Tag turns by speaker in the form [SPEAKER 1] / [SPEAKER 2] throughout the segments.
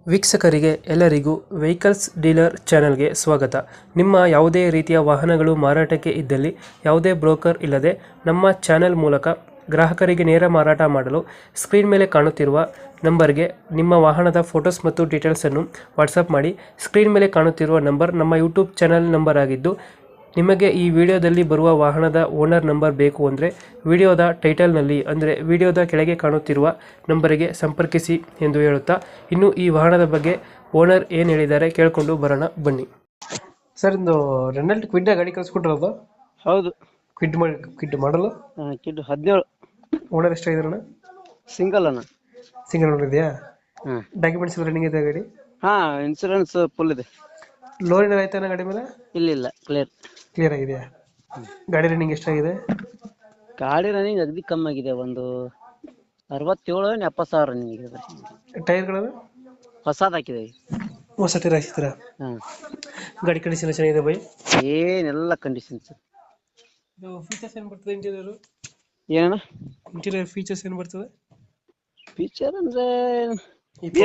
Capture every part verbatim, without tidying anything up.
[SPEAKER 1] ವೀಕ್ಷಕರಿಗೆ ಎಲ್ಲರಿಗೂ vehicles dealer ಚಾನೆಲ್ಗೆ ಸ್ವಾಗತ. ನಿಮ್ಮ ಯಾವುದೇ ರೀತಿಯ ವಾಹನಗಳು ಮಾರಾಟಕ್ಕೆ ಇದ್ದಲ್ಲಿ ಯಾವುದೇ ಬ್ರೋಕರ್ ಇಲ್ಲದೆ ನಮ್ಮ ಚಾನೆಲ್ ಮೂಲಕ ಗ್ರಾಹಕರಿಗೆ ನೇರ ಮಾರಾಟ ಮಾಡಲು ಸ್ಕ್ರೀನ್ ಮೇಲೆ ಕಾಣುತ್ತಿರುವ ನಂಬರ್ಗೆ ನಿಮ್ಮ ವಾಹನದ ಫೋಟೋಸ್ ಮತ್ತು ಡೀಟೇಲ್ಸನ್ನು ವಾಟ್ಸಪ್ ಮಾಡಿ. ಸ್ಕ್ರೀನ್ ಮೇಲೆ ಕಾಣುತ್ತಿರುವ ನಂಬರ್ ನಮ್ಮ ಯೂಟ್ಯೂಬ್ ಚಾನೆಲ್ ನಂಬರ್ ಆಗಿದ್ದು, ನಿಮಗೆ ಈ ವಿಡಿಯೋದಲ್ಲಿ ಬರುವ ವಾಹನದ ಓನರ್ ನಂಬರ್ ಬೇಕು ಅಂದರೆ ವಿಡಿಯೋದ ಟೈಟಲ್ನಲ್ಲಿ ಅಂದರೆ ವಿಡಿಯೋದ ಕೆಳಗೆ ಕಾಣುತ್ತಿರುವ ನಂಬರಿಗೆ ಸಂಪರ್ಕಿಸಿ ಎಂದು ಹೇಳುತ್ತಾ, ಇನ್ನು ಈ ವಾಹನದ ಬಗ್ಗೆ ಓನರ್ ಏನು ಹೇಳಿದ್ದಾರೆ ಕೇಳಿಕೊಂಡು ಬರೋಣ ಬನ್ನಿ. ಸರ್, ಇಂದು ರೆನಾಲ್ಟ್ ಕ್ವಿಡ್ ಗಾಡಿ ಕಳಿಸ್ಕೊಟ್ಟಿರೋದು?
[SPEAKER 2] ಹೌದು,
[SPEAKER 1] ಕ್ವಿಡ್ ಮಾಡಿ ಕ್ವಿಡ್ ಮಾಡಲು
[SPEAKER 2] ಕಿಡ್ ಹದಿನೇಳು.
[SPEAKER 1] ಓನರ್ ಎಷ್ಟಾಗಿದ್ರಣ?
[SPEAKER 2] ಸಿಂಗಲ್ ಅಣ್ಣ.
[SPEAKER 1] ಸಿಂಗಲ್ ಓನರ್ ಇದೆಯಾ?
[SPEAKER 2] ಹ್ಮ್.
[SPEAKER 1] ಡಾಕ್ಯುಮೆಂಟ್ಸ್ ರನ್ನಿಂಗ್ ಇದೆ ಗಾಡಿ?
[SPEAKER 2] ಹಾ, ಇನ್ಸೂರೆನ್ಸ್ ಫುಲ್ ಇದೆ.
[SPEAKER 1] ಲೋನ್ ಏನಾರ ಆಯ್ತಾನ ಗಾಡಿ ಮೇಲೆ?
[SPEAKER 2] ಇಲ್ಲ ಇಲ್ಲ, ಕ್ಲಿಯರ್
[SPEAKER 1] ಕ್ಲಿಯರ್ ಆಗಿದೆಯಾ? ಗಾಡಿ ರನ್ನಿಂಗ್ ಎಷ್ಟಾಗಿದೆ?
[SPEAKER 2] ಗಾಡಿ ರನ್ನಿಂಗ್ ಅಗದಿ ಕಮ್ಮಿ ಆಗಿದೆ. ಒಂದು ಅರವತ್ತೇಳು ಎಪ್ಪತ್ತು ಸಾವಿರ ರನ್ನಿಂಗ್ ಇದೆ.
[SPEAKER 1] ಟೈರ್ಗಳು
[SPEAKER 2] ಹೊಸದ್ ಹಾಕಿದೆ.
[SPEAKER 1] ಹೊಸ ಟೈರ್ ಹಾಕ್ಸಿದ್ರ?
[SPEAKER 2] ಹಾ.
[SPEAKER 1] ಗಾಡಿ ಕಂಡೀಷನ್ ಚೆನ್ನಾಗಿದೆ ಬೈ?
[SPEAKER 2] ಏನೆಲ್ಲ ಕಂಡೀಷನ್ಸ್.
[SPEAKER 1] ಇದು ಫೀಚರ್ಸ್ ಏನು ಬರ್ತದೆ ಇಂಟೀರಿಯರ್?
[SPEAKER 2] ಏನಣ್ಣ
[SPEAKER 1] ಇಂಟೀರಿಯರ್ ಫೀಚರ್ಸ್ ಏನು ಬರ್ತದೆ?
[SPEAKER 2] ಫೀಚರ್ ಅಂದ್ರೆ
[SPEAKER 1] ಬಿ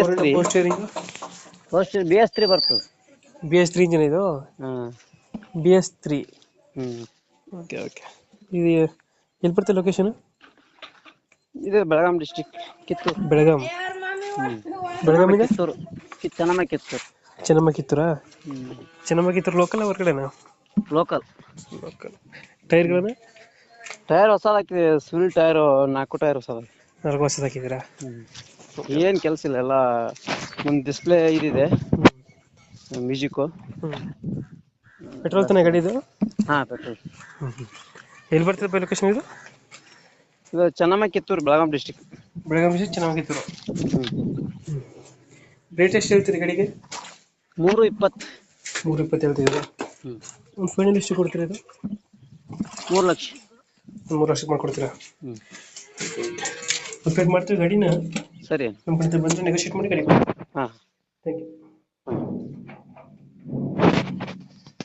[SPEAKER 2] ಬಿ ಎಸ್ ತ್ರೀ ಬರ್ತದೆ.
[SPEAKER 1] ಬಿ ಎಸ್ ತ್ರೀ ಇಂಜಿನ್ ಇದು?
[SPEAKER 2] ಹಾ,
[SPEAKER 1] B S three.
[SPEAKER 2] Hmm.
[SPEAKER 1] Okay okay. ಇದು ಎಲ್ಲಿ ಬರ್ತದೆ ಲೊಕೇಶನ್?
[SPEAKER 2] ಇದು ಬೆಳಗಾಂ ಡಿಸ್ಟ್ರಿಕ್ಟ್, ಕಿತ್ತೂರು.
[SPEAKER 1] ಬೆಳಗಾಂ?
[SPEAKER 2] ಹ್ಮ್.
[SPEAKER 1] ಬೆಳಗಾಂ ಇದೆ?
[SPEAKER 2] ಕಿತ್ತೂರು, ಕಿ- ಚೆನ್ನಮ್ಮ ಕಿತ್ತೂರು.
[SPEAKER 1] ಚೆನ್ನಮ್ಮ ಕಿತ್ತೂರಾ?
[SPEAKER 2] ಹ್ಮ್.
[SPEAKER 1] ಚೆನ್ನಮ್ಮ ಕಿತ್ತೂರು ಲೋಕಲ್ ಹೊರಗಡೆನಾ?
[SPEAKER 2] ಲೋಕಲ್.
[SPEAKER 1] ಲೋಕಲ್. ಟೈರ್ಗಳನ್ನ?
[SPEAKER 2] ಟೈರ್ ಹೊಸದ್ ಹಾಕಿದೆ. ಸ್ವಿಲ್ ಟೈರ್ ನಾಲ್ಕು ಟೈರ್ ಹೊಸದ.
[SPEAKER 1] ನಾಲ್ಕು ವರ್ಷದ ಹಾಕಿದ್ದೀರಾ?
[SPEAKER 2] ಏನ್ ಕೆಲಸ ಇಲ್ಲ. ಎಲ್ಲ ಮುಂದ್ ಡಿಸ್ಪ್ಲೇ ಇದಿದೆ, ಮ್ಯೂಸಿಕ್.
[SPEAKER 1] ಪೆಟ್ರೋಲ್ ತಾನೇ ಗಾಡಿ ಇದು?
[SPEAKER 2] ಹಾ, ಪೆಟ್ರೋಲ್.
[SPEAKER 1] ಎಲ್ಲಿ ಬರ್ತದೆ ಲೊಕೇಶನ್ ಇದು?
[SPEAKER 2] ಇದು Chennamma Kittur, Belgaum district.
[SPEAKER 1] Belgaum district, Chennamma Kittur.
[SPEAKER 2] Hmm.
[SPEAKER 1] Rate ಎಷ್ಟು ಹೇಳ್ತೀರಿ ಗಾಡಿಗೆ?
[SPEAKER 2] ಮೂರು ಇಪ್ಪತ್ತು.
[SPEAKER 1] ಮೂರು ಇಪ್ಪತ್ತು ಹೇಳ್ತಿದ್ದೀರಾ?
[SPEAKER 2] ಹ್ಮ್.
[SPEAKER 1] ಒಂದು ಫೈನಲ್ ಎಷ್ಟು ಕೊಡ್ತೀರಾ ಇದು?
[SPEAKER 2] ಮೂರು ಲಕ್ಷ.
[SPEAKER 1] ಒಂದು ಮೂರು ಲಕ್ಷಕ್ಕೆ ಮಾಡ್ಕೊಡ್ತೀರಾ?
[SPEAKER 2] ಹ್ಮ್.
[SPEAKER 1] ಅಪ್ಡೇಟ್ ಮಾಡ್ತೀವಿ ಗಾಡಿನ.
[SPEAKER 2] ಸರಿ.
[SPEAKER 1] ನಮ್ಮ ಕಡೆ ಬಂದರೆ ನೆಗೋಷಿಯೇಟ್ ಮಾಡಿ ಗಾಡಿ ಕೊಡಿ.
[SPEAKER 2] ಹಾ.